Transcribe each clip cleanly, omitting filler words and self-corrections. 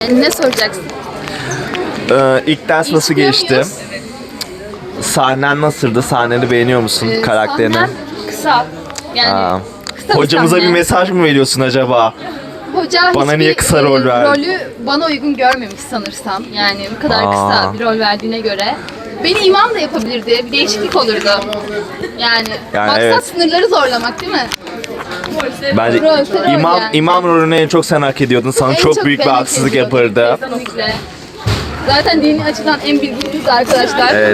Ne soracaksın? İlk ders nasıl geçti? Sahnen nasıldı? Sahneni beğeniyor musun? Karakterini? Sahnem kısa. Yani kısa Hocamıza bir sahne. mesaj mı veriyorsun acaba? Hoca Bana hiçbir, niye kısa rol verdi? Rolü bana uygun görmemiş sanırsam. Yani bu kadar kısa bir rol verdiğine göre. Beni imam da yapabilirdi. Bir değişiklik olurdu. Yani maksat evet. sınırları zorlamak değil mi? Bence Rol imam, yani. imam rolünü en çok sen hak ediyordun. Sana En çok büyük bir ben haksızlık hak ediyordum. yapardı. Kesinlikle. Zaten dini açıdan en bilgiliyiz arkadaşlar. Evet.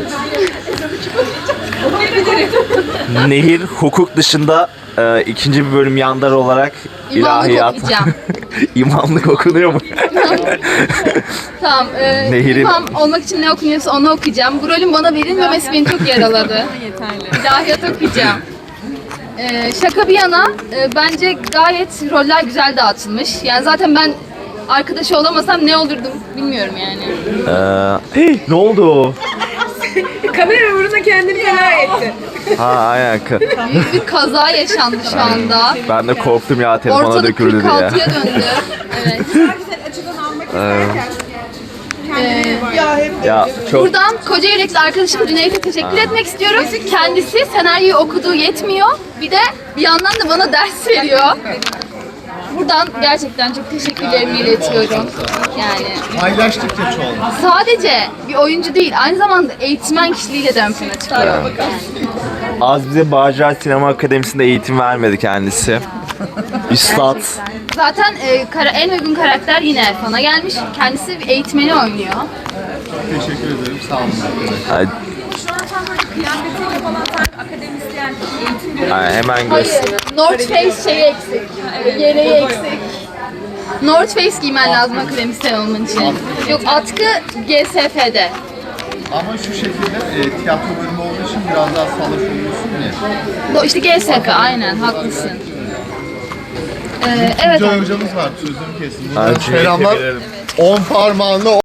Nehir hukuk dışında ikinci bir bölüm yandar olarak İmamlık ilahiyat. okuyacağım. İmamlık okunuyor mu? Tamam. Nehir'in- İmam olmak için ne okunuyorsa onu okuyacağım. Bu rolün bana verilmemesi beni çok yaraladı. İlahiyat okuyacağım. Şaka bir yana bence gayet roller güzel dağıtılmış. Yani zaten ben arkadaşı olamasam ne olurdum bilmiyorum yani. Ne oldu? Kamera uğruna kendini feda etti. Ha aynen. Büyük bir kaza yaşandı şu anda. Ben de korktum ya, telefona Ortalık döküldü diye. 46'ya döndü. Evet. Güzel açıdan almak isterken kendine bak. Ya çok Buradan koca yürekli arkadaşım Cüneyt'e teşekkür etmek istiyorum. Kendisi senaryoyu okuduğu yetmiyor. Bir de bir yandan da bana ders veriyor. Buradan gerçekten çok teşekkürlerimi iletiyorum. Yani Paylaştıkça çoğalır. sadece bir oyuncu değil, aynı zamanda eğitmen kişiliğiyle de ön plana çıkıyor. az bize Bağcılar Sinema Akademisi'nde eğitim vermedi kendisi. Üstad. Zaten en uygun karakter yine Erfan'a gelmiş. Kendisi bir eğitmeni oynuyor. Teşekkür ederim. Sağ olun arkadaşlar. Ay, Şu an tam böyle kıyafetiyle falan sanki akademisyen eğitim görüyor. ay, hemen Hayır, göster. North Face şeyi eksik. Yeleği eksik. North Face giymen lazım akademisyen olman için. Yok, atkı GSF'de. Ama şu şekilde tiyatro bölümü olduğu için biraz daha salaş oluyorsun ya. İşte GSF, aynen haklısın. Evet. Joy hocamız var. Sözünü kesin. Ha, Buradan selamlar. 10 parmağınla